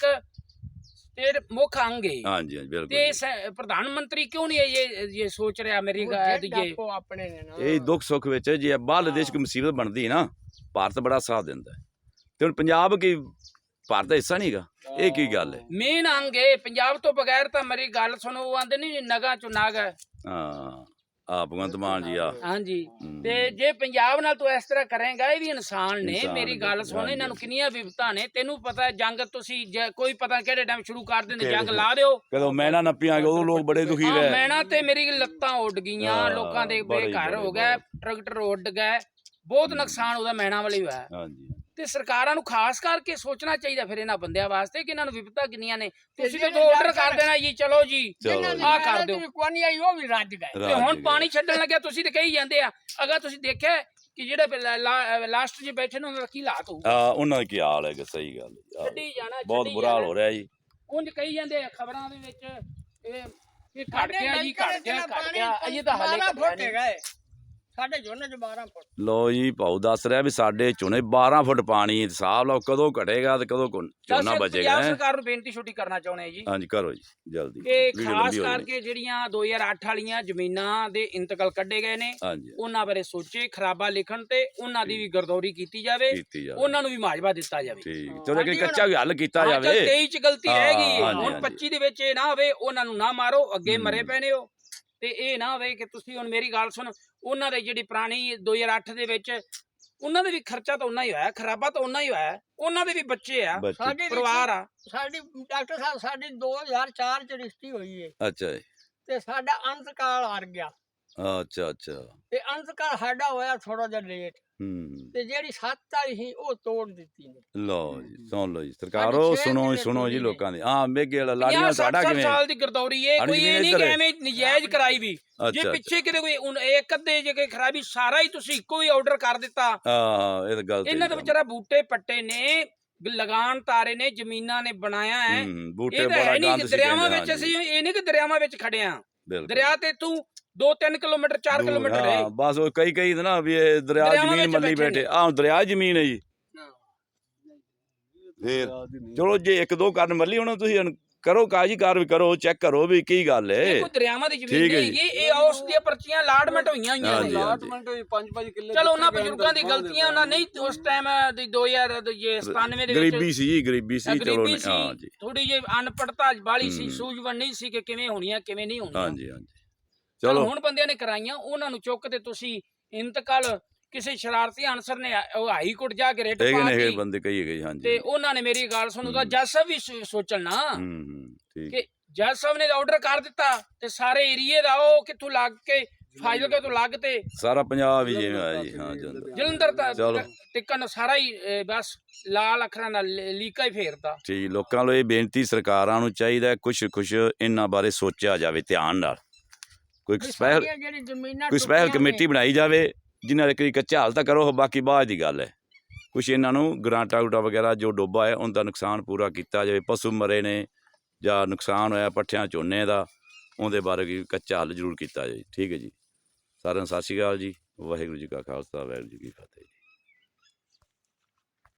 Speaker 2: ਸਟੇਟ ਮੁੱਖ ਅੰਗ ਹੈ।
Speaker 1: ਹਾਂਜੀ ਹਾਂਜੀ ਬਿਲਕੁਲ
Speaker 2: ਤੇ
Speaker 1: ਜੀ।
Speaker 2: ਸ- ਪ੍ਰਧਾਨ ਮੰਤਰੀ ਕਿਉਂ ਨਹੀਂ ਇਹ ਇਹ ਸੋਚ ਰਿਹਾ ਅਮਰੀਕਾ
Speaker 3: ਉਹ
Speaker 2: ਦੀ
Speaker 3: ਜਿਹੜੇ
Speaker 2: ਇਹ
Speaker 3: ਆਪੋ ਆਪਣੇ ਨੇ ਨਾ
Speaker 1: ਇਹ ਦੁੱਖ ਸੁੱਖ ਵਿੱਚ ਜੇ ਬਾਹਰਲੇ ਦੇਸ਼ ਕੋਈ ਮੁਸੀਬਤ ਬਣਦੀ ਨਾ ਭਾਰਤ ਬੜਾ ਸਾਥ ਦਿੰਦਾ ਹੈ। ਤੇ ਹੁਣ ਪੰਜਾਬ ਕੀ ਭਾਰਤ ਦਾ ਹਿੱਸਾ ਨਹੀਂਗਾ? ਇਹ ਕੀ ਗੱਲ ਹੈ?
Speaker 2: ਮੇਨ ਅੰਗ ਹੈ ਪੰਜਾਬ ਤੋਂ ਬਗੈਰ ਤਾਂ ਮੇਰੀ ਗੱਲ ਸੁਣੋ, ਉਹ ਆਂਦੇ ਨਹੀਂ ਨਗਾ ਚੋਂ ਨਾਗ ਹੈ।
Speaker 1: ਹਾਂ ਆ ਭਗਵੰਤ ਮਾਨ ਜੀ ਆ
Speaker 2: ਹਾਂਜੀ
Speaker 1: ਹੂੰ।
Speaker 2: ਤੇ ਜੇ ਪੰਜਾਬ ਨਾਲ ਤੂੰ ਇਸ ਤਰ੍ਹਾਂ ਕਰੇਗਾ, ਇਹ ਵੀ ਇਨਸਾਨ ਨੇ।
Speaker 1: ਇਨਸਾਨ
Speaker 2: ਮੇਰੀ
Speaker 1: ਨੇ,
Speaker 2: ਗੱਲ ਸੁਣ,
Speaker 1: ਹਾਂਜੀ।
Speaker 2: ਇਹਨਾਂ ਨੂੰ ਕਿੰਨੀਆਂ ਵਿਪਤਾਂ ਨੇ ਤੈਨੂੰ ਪਤਾ ਹੈ। ਜੰਗ ਤੁਸੀਂ ਜੇ ਕੋਈ ਪਤਾ ਕਿਹੜੇ ਟਾਈਮ ਸ਼ੁਰੂ ਕਰ ਦਿੰਦੇ,
Speaker 1: ਕਿਹੜੇ
Speaker 2: ਜੰਗ ਲਾ ਦਿਓ।
Speaker 1: ਕਦੋਂ ਮੈਨਾ ਨੱਪੀਆਂ ਉਦੋਂ ਲੋਕ ਬੜੇ ਦੁਖੀ
Speaker 2: ਹਾਂ
Speaker 1: ਰਹੇ।
Speaker 2: ਮੈਨਾ ਤੇ ਮੇਰੀ ਲੱਤਾਂ ਉੱਡ ਗਈਆਂ,
Speaker 1: ਹਾਂ,
Speaker 2: ਲੋਕਾਂ ਦੇ
Speaker 1: ਬੜੇ-
Speaker 2: ਬੇਘਰ ਹੋ
Speaker 1: ਬੜੇ-
Speaker 2: ਗਏ, ਟਰੈਕਟਰ ਉੱਡ ਗਏ, ਬਹੁਤ ਨੁਕਸਾਨ ਉਹਦਾ ਮੈਨਾ ਵਾਲੇ ਹੀ ਹੋਇਆ।
Speaker 1: ਹਾਂਜੀ
Speaker 2: ਤੇ ਸਰਕਾਰਾਂ ਨੂੰ ਖਾਸ ਕਰਕੇ ਸੋਚਣਾ ਚਾਹੀਦਾ ਫਿਰ ਇਹਨਾਂ ਬੰਦਿਆਂ ਵਾਸਤੇ ਕਿ ਇਹਨਾਂ ਨੂੰ ਵਿਪਤਾ ਕਿੰਨੀਆਂ ਨੇ। ਤੁਸੀਂ ਤਾਂ
Speaker 3: ਜਿਹੜੇ
Speaker 2: ਆਰਡਰ ਕਰ ਦੇਣਾ ਜੀ, ਚਲੋ ਜੀ
Speaker 1: ਚਲੋ ਜੀ।
Speaker 2: ਆਹ ਕਰ ਦਿਓ।
Speaker 3: ਕੋਈ ਨਹੀਂ ਆਈ, ਉਹ ਵੀ ਰੱਜ ਗਏ।
Speaker 2: ਤੇ ਹੁਣ ਪਾਣੀ ਛੱਡਣ ਲੱਗਿਆ ਤੁਸੀਂ ਤੇ ਕਹੀ ਜਾਂਦੇ ਆ। ਅਗਰ ਤੁਸੀਂ ਦੇਖਿਆ ਕਿ ਜਿਹੜੇ ਲਾਸਟ 'ਚ ਬੈਠੇ ਨੇ ਉਹਨਾਂ ਦਾ ਕੀ ਹਾਲਾਤ ਹੋਊ?
Speaker 1: ਆ ਉਹਨਾਂ ਦਾ ਕੀ ਹਾਲ ਹੈ? ਸਹੀ ਗੱਲ ਹੈ। ਆਹ,
Speaker 2: ਛੱਡੀ ਜਾਣਾ,
Speaker 1: ਬਹੁਤ
Speaker 2: ਛੱਡੀ
Speaker 1: ਬੁਰਾ ਹਾਲ
Speaker 2: ਜਾਣਾ।
Speaker 1: ਹੋ ਰਿਹਾ ਜੀ।
Speaker 2: ਉਂਝ ਕਹੀ ਜਾਂਦੇ ਆ ਖਬਰਾਂ ਦੇ ਵਿੱਚ ਇਹ ਇਹ ਘਟ
Speaker 3: ਸਾਡੇ
Speaker 2: ਗਿਆ ਜੀ,
Speaker 3: ਨਲਕੇ
Speaker 2: ਘਟ ਗਿਆ,
Speaker 3: ਚ
Speaker 2: ਘਟ
Speaker 3: ਪਾਣੀ
Speaker 2: ਗਿਆ। ਅਜੇ ਤਾਂ ਹਾਲੇ
Speaker 3: ਬਾਰਾਂ
Speaker 2: ਘਟਿਆ
Speaker 3: ਫੁੱਟ
Speaker 2: ਨਹੀਂ।
Speaker 3: ਗਏ ਸਾਡੇ ਝੋਨੇ ਚ ਬਾਰਾਂ ਫੁੱਟ।
Speaker 1: ਲੋ ਜੀ ਭਾਊ ਦੱਸ ਰਿਹਾ ਵੀ ਸਾਡੇ ਝੋਨੇ ਬਾਰਾਂ ਫੁੱਟ ਪਾਣੀ। ਹਿਸਾਬ ਲਾਓ ਕਦੋਂ ਘਟੇਗਾ ਤੇ ਕਦੋਂ ਕੁ- ਝੋਨਾ
Speaker 2: ਅਸੀਂ
Speaker 1: ਬਚੇਗਾ।
Speaker 2: ਪੰਜਾਬ
Speaker 1: ਹੈਂ?
Speaker 2: ਸਰਕਾਰ ਨੂੰ ਬੇਨਤੀ ਛੋਟੀ ਕਰਨਾ ਚਾਹੁੰਦੇ ਆ ਜੀ
Speaker 1: ਹਾਂਜੀ ਕਰੋ ਜੀ ਜਲਦੀ।
Speaker 2: ਕਿ
Speaker 1: ਵੀਡੀਓ
Speaker 2: ਖਾਸ
Speaker 1: ਲੰਬੀ ਹੋ ਜਾਣੀ।
Speaker 2: ਕਰਕੇ ਜਿਹੜੀਆਂ ਦੋ ਹਜ਼ਾਰ ਅੱਠ ਵਾਲੀਆਂ ਜ਼ਮੀਨਾਂ ਦੇ ਇੰਤਕਾਲ ਕੱਢੇ ਗਏ ਨੇ,
Speaker 1: ਹਾਂਜੀ
Speaker 2: ਉਹਨਾਂ ਬਾਰੇ ਸੋਚੇ, ਖਰਾਬਾ ਲਿਖਣ ਤੇ ਉਹਨਾਂ ਦੀ ਵੀ ਗਰਦੌਰੀ ਕੀਤੀ ਜਾਵੇ,
Speaker 1: ਕੀਤੀ ਜਾਵੇ।
Speaker 2: ਉਹਨਾਂ ਨੂੰ ਵੀ ਮਾਜਵਾ ਦਿੱਤਾ ਜਾਵੇ।
Speaker 1: ਠੀਕ
Speaker 3: ਹਾਂ।
Speaker 1: ਚਲੋ ਕਿ ਕੱਚਾ ਵੀ ਹੱਲ ਕੀਤਾ
Speaker 2: ਹਾਂ, ਚੱਲ
Speaker 1: ਜਾਵੇ।
Speaker 2: ਤੇਈ ਚ ਗਲਤੀ
Speaker 1: ਹਾਂ,
Speaker 2: ਰਹਿ ਗਈ,
Speaker 1: ਹਾਂਜੀ,
Speaker 2: ਹੁਣ
Speaker 1: ਹਾਂਜੀ।
Speaker 2: ਪੱਚੀ ਦੇ ਵਿੱਚ ਇਹ ਨਾ ਹੋਵੇ ਉਹਨਾਂ ਨੂੰ ਨਾ ਮਾਰੋ, ਅੱਗੇ
Speaker 1: ਹੂੰ।
Speaker 2: ਮਰੇ ਪੈਣੇ ਹੋ। ਤੇ ਇਹ ਨਾ ਹੋਵੇ ਕਿ ਤੁਸੀਂ ਹੁਣ ਮੇਰੀ ਗੱਲ ਸੁਣ, ਉਹਨਾਂ ਦੇ ਜਿਹੜੀ ਪੁਰਾਣੀ ਦੋ ਹਜ਼ਾਰ ਅੱਠ ਦੇ ਵਿੱਚ ਉਹਨਾਂ ਦੇ ਵੀ ਖਰਚਾ ਤਾਂ ਉਨਾ ਹੀ ਹੋਇਆ, ਖਰਾਬਾ ਤਾਂ ਉਨਾ ਹੀ ਹੋਇਆ, ਉਹਨਾਂ ਦੇ ਵੀ ਬੱਚੇ ਆ,
Speaker 1: ਬੱਚੇ-
Speaker 3: ਸਾਡੀ
Speaker 2: ਪਰਿਵਾਰ ਆ।
Speaker 3: ਸਾਡੀ ਡਾਕਟਰ ਸਾਹਿਬ ਸਾਡੀ ਦੋ ਹਜ਼ਾਰ ਚਾਰ ਚ ਰਿਸ਼ਤੀ ਹੋਈ ਹੈ
Speaker 1: ਅੱਛਾ ਜੀ।
Speaker 3: ਤੇ ਸਾਡਾ ਅੰਤਕਾਲ ਆ ਗਿਆ।
Speaker 1: ਅੱਛਾ ਅੱਛਾ
Speaker 3: ਤੇ ਅੰਤਕਾਲ ਸਾਡਾ ਹੋਇਆ ਥੋੜਾ ਜਿਹਾ ਲੇਟ,
Speaker 1: ਹੂੰ
Speaker 3: ਤੇ ਜਿਹੜੀ ਸੱਤ ਵਾਲੀ ਸੀ ਉਹ ਤੋੜ ਦਿੱਤੀ ਨੇ।
Speaker 1: ਲਓ ਜੀ ਸੁਣ ਲਓ ਜੀ ਸਰਕਾਰੋ,
Speaker 3: ਸਾਡੀ ਛੇ
Speaker 1: ਸੁਣੋ
Speaker 3: ਕਿੱਲੇ
Speaker 1: ਸੁਣੋ ਜੀ
Speaker 3: ਜ਼ਮੀਨ
Speaker 1: ਲੋਕਾਂ ਦੀ। ਹਾਂ ਮੇਗੇ ਵਾਲਾ
Speaker 2: ਪੰਜਾਹ
Speaker 1: ਲਾੜੀਆਂ
Speaker 2: ਸੱਠ
Speaker 1: ਸਾਡਾ
Speaker 2: ਸੱਠ
Speaker 1: ਕਿਵੇਂ?
Speaker 2: ਸਾਲ ਦੀ ਗਰਦੌਰੀ ਹੈ,
Speaker 1: ਸਾਡੀ
Speaker 2: ਕੋਈ ਇਹ
Speaker 1: ਜ਼ਮੀਨ
Speaker 2: ਨਹੀਂ
Speaker 1: ਇੱਧਰ
Speaker 2: ਕਿ
Speaker 1: ਹੈ।
Speaker 2: ਐਵੇਂ ਨਜਾਇਜ਼ ਕਰਾਈ ਵੀ। ਜੇ
Speaker 1: ਅੱਛਾ
Speaker 2: ਪਿੱਛੇ ਕਿਤੇ ਕੋਈ ਹੁਣ ਇੱਕ ਅੱਧੇ ਜੇ ਕੋਈ ਖਰਾਬੀ, ਸਾਰਾ ਹੀ ਤੁਸੀਂ ਇੱਕੋ ਹੀ ਆਰਡਰ ਕਰ ਦਿੱਤਾ।
Speaker 1: ਹਾਂ ਇਹ ਤਾਂ ਗੱਲ
Speaker 2: ਇਹਨਾਂ ਦੇ ਵਿਚਾਰਾ ਬੂਟੇ ਪੱਟੇ ਨੇ, ਲਗਾਨ ਤਾਰੇ ਨੇ, ਜ਼ਮੀਨਾਂ ਨੇ ਬਣਾਇਆ ਹੈ।
Speaker 1: ਹੂੰ ਬੂਟੇ
Speaker 2: ਇਹ ਤਾਂ
Speaker 1: ਬੜਾ
Speaker 2: ਹੈ ਨਹੀਂ
Speaker 1: ਗੰਦ
Speaker 2: ਕਿ
Speaker 1: ਸੀ
Speaker 2: ਦਰਿਆਵਾਂ
Speaker 1: ਕਹਿੰਦੇ,
Speaker 2: ਵਿੱਚ
Speaker 1: ਹਾਂਜੀ,
Speaker 2: ਅਸੀਂ ਇਹ ਨਹੀਂ ਕਿ ਦਰਿਆਵਾਂ ਵਿੱਚ ਖੜੇ ਆ।
Speaker 1: ਬਿਲਕੁਲ।
Speaker 2: ਦਰਿਆ ਤੇ ਤੂੰ ਦੋ ਤਿੰਨ ਕਿਲੋਮੀਟਰ ਚਾਰ
Speaker 1: ਦੂਰ,
Speaker 2: ਕਿਲੋਮੀਟਰ
Speaker 1: ਹਾਂ,
Speaker 2: ਹੈ।
Speaker 1: ਬਸ ਉਹ ਕਈ ਕਈ ਨਾ ਵੀ ਇਹ ਦਰਿਆ
Speaker 2: ਦਰਿਆਵਾਂ
Speaker 1: ਜ਼ਮੀਨ
Speaker 2: ਵਿੱਚ
Speaker 1: ਮੱਲੀ
Speaker 2: ਬੈਠੇ
Speaker 1: ਬੈਠੇ।
Speaker 2: ਨੇ।
Speaker 1: ਆਹ ਦਰਿਆ ਜ਼ਮੀਨ ਹੈ ਜੀ। ਫੇਰ ਚਲੋ ਜੇ ਇੱਕ ਦੋ ਕਰਨ ਮੱਲੀ ਹੁਣ ਤੁਸੀਂ ਹੁਣ ਕਰੋ ਕਾਜੀ ਕਾਰ ਵੀ ਕਰੋ, ਚੈੱਕ ਕਰੋ ਵੀ ਕੀ ਗੱਲ
Speaker 2: ਇਹ
Speaker 1: ਹੈ।
Speaker 2: ਕੋਈ ਦਰਿਆਵਾਂ ਦੀ ਜ਼ਮੀਨ
Speaker 1: ਠੀਕ ਹੈ
Speaker 2: ਨਹੀਂ
Speaker 1: ਜੀ।
Speaker 2: ਹੈਗੀ, ਇਹ ਉਸ ਦੀਆਂ ਪਰਚੀਆਂ ਲਾਟਮੈਂਟ ਹੋਈਆਂ ਹੋਈਆਂ
Speaker 1: ਹਾਂਜੀ,
Speaker 2: ਨੇ।
Speaker 1: ਹਾਂਜੀ।
Speaker 4: ਪੰਜ ਪੰਜ ਕਿੱਲੇ
Speaker 2: ਚਲੋ ਉਹਨਾਂ ਬਜ਼ੁਰਗਾਂ ਦੀ ਗਲਤੀਆਂ, ਉਹਨਾਂ ਨਹੀਂ ਉਸ ਟਾਈਮ ਦੀ ਦੋ ਹਜ਼ਾਰ ਸਤਾਨਵੇਂ ਦੇ ਵਿੱਚ
Speaker 1: ਗਰੀਬੀ ਸੀ ਜੀ, ਗਰੀਬੀ ਸੀ। ਚਲੋ
Speaker 2: ਗਰੀਬੀ
Speaker 1: ਹਾਂ
Speaker 2: ਸੀ,
Speaker 1: ਜੀ,
Speaker 2: ਥੋੜੀ ਜਿਹੀ ਅਨਪੜਤਾ ਵਾਲੀ ਸੀ,
Speaker 1: ਹੂੰ।
Speaker 2: ਸੂਝਵਾਨ ਨਹੀਂ ਸੀ ਕਿ ਕਿਵੇਂ ਹੋਣੀਆਂ ਕਿਵੇਂ ਨਹੀਂ ਹੋਣੀਆਂ।
Speaker 1: ਹਾਂਜੀ ਹਾਂਜੀ
Speaker 2: ਚਲੋ
Speaker 1: ਚਲੋ
Speaker 2: ਹੁਣ ਬੰਦਿਆਂ ਨੇ ਕਰਾਈਆਂ, ਉਹਨਾਂ ਨੂੰ ਚੁੱਕ ਤੇ ਤੁਸੀਂ ਇੰਤਕਾਲ ਕਿਸੇ ਸ਼ਰਾਰਤੀ ਅਨਸਰ ਨੇ ਉਹ ਹਾਈ ਕੋਰਟ ਜਾ ਕੇ ਰੇਟ
Speaker 1: ਹੈਗੇ
Speaker 2: ਪਾ
Speaker 1: ਨੇ ਹੈਗੇ
Speaker 2: ਦਿੱਤੀ
Speaker 1: ਬੰਦੇ ਕਈ ਹੈਗੇ, ਹਾਂਜੀ।
Speaker 2: ਤੇ ਉਹਨਾਂ ਨੇ ਮੇਰੀ ਗੱਲ ਸੁਣੋ ਤਾਂ
Speaker 1: ਹੂੰ।
Speaker 2: ਜੱਜ ਸਾਹਿਬ ਵੀ ਸੋ- ਸੋਚਣ ਨਾ
Speaker 1: ਹੂੰ ਹੂੰ ਠੀਕ।
Speaker 2: ਕਿ ਜੱਜ ਸਾਹਿਬ ਨੇ ਆਰਡਰ ਕਰ ਦਿੱਤਾ ਤੇ ਸਾਰੇ ਏਰੀਏ ਦਾ ਉਹ ਕਿੱਥੋਂ ਲੱਗ ਕੇ ਫਾਜ਼ਿਲਕੇ ਤੋਂ ਲੱਗ ਤੇ
Speaker 1: ਸਾਰਾ ਪੰਜਾਬ ਹੀ ਜਿਵੇਂ ਆਇਆ ਜੀ। ਹਾਂ ਜਲੰਧਰ।
Speaker 2: ਜਲੰਧਰ
Speaker 1: ਚਲੋ।
Speaker 2: ਤੱਕ ਟਿਕਣ ਸਾਰਾ ਹੀ ਅਹ, ਬਸ ਲਾਲ ਅੱਖਰਾਂ ਨਾਲ ਲੀ- ਲੀਕਾ ਹੀ ਫੇਰਤਾ।
Speaker 1: ਠੀਕ ਲੋਕਾਂ ਨੂੰ ਇਹ ਬੇਨਤੀ ਸਰਕਾਰਾਂ ਨੂੰ ਚਾਹੀਦਾ ਹੈ ਕੁਛ ਕੁਛ ਇਹਨਾਂ ਬਾਰੇ ਸੋਚਿਆ ਜਾਵੇ ਧਿਆਨ ਨਾਲ। ਕੋਈ
Speaker 3: ਵੀ
Speaker 1: ਸਪੈਸ਼ਲ
Speaker 3: ਸਾਡੀਆਂ ਜਿਹੜੀ ਜ਼ਮੀਨਾਂ
Speaker 1: ਕੋਈ ਸਪੈਸ਼ਲ
Speaker 3: ਟੁੱਟੀਆਂ
Speaker 1: ਕਮੇਟੀ ਬਣਾਈ ਜਾਵੇ ਜਿਨ੍ਹਾਂ ਦੇ ਕੋਈ ਕੱਚਾ ਹਾਲ ਤਾਂ ਕਰੋ, ਬਾਕੀ ਬਾਅਦ ਦੀ ਗੱਲ ਹੈ। ਕੁਛ ਇਹਨਾਂ ਨੂੰ ਗਰਾਂਟਾ ਗੂਟਾ ਵਗੈਰਾ ਜੋ ਡੋਬਾ ਹੈ ਉਹਦਾ ਨੁਕਸਾਨ ਪੂਰਾ ਕੀਤਾ ਜਾਵੇ। ਪਸ਼ੂ ਮਰੇ ਨੇ ਜਾਂ ਨੁਕਸਾਨ ਹੋਇਆ ਪੱਠਿਆਂ ਝੋਨੇ ਦਾ, ਉਹਦੇ ਬਾਰੇ ਵੀ ਕੱਚਾ ਹੱਲ ਜ਼ਰੂਰ ਕੀਤਾ ਜਾਵੇ। ਠੀਕ ਹੈ ਜੀ। ਸਾਰਿਆਂ ਨੂੰ ਸਤਿ ਸ਼੍ਰੀ ਅਕਾਲ ਜੀ। ਵਾਹਿਗੁਰੂ ਜੀ ਕਾ ਖਾਲਸਾ ਵਾਹਿਗੁਰੂ ਜੀ ਕੀ ਫਤਿਹ।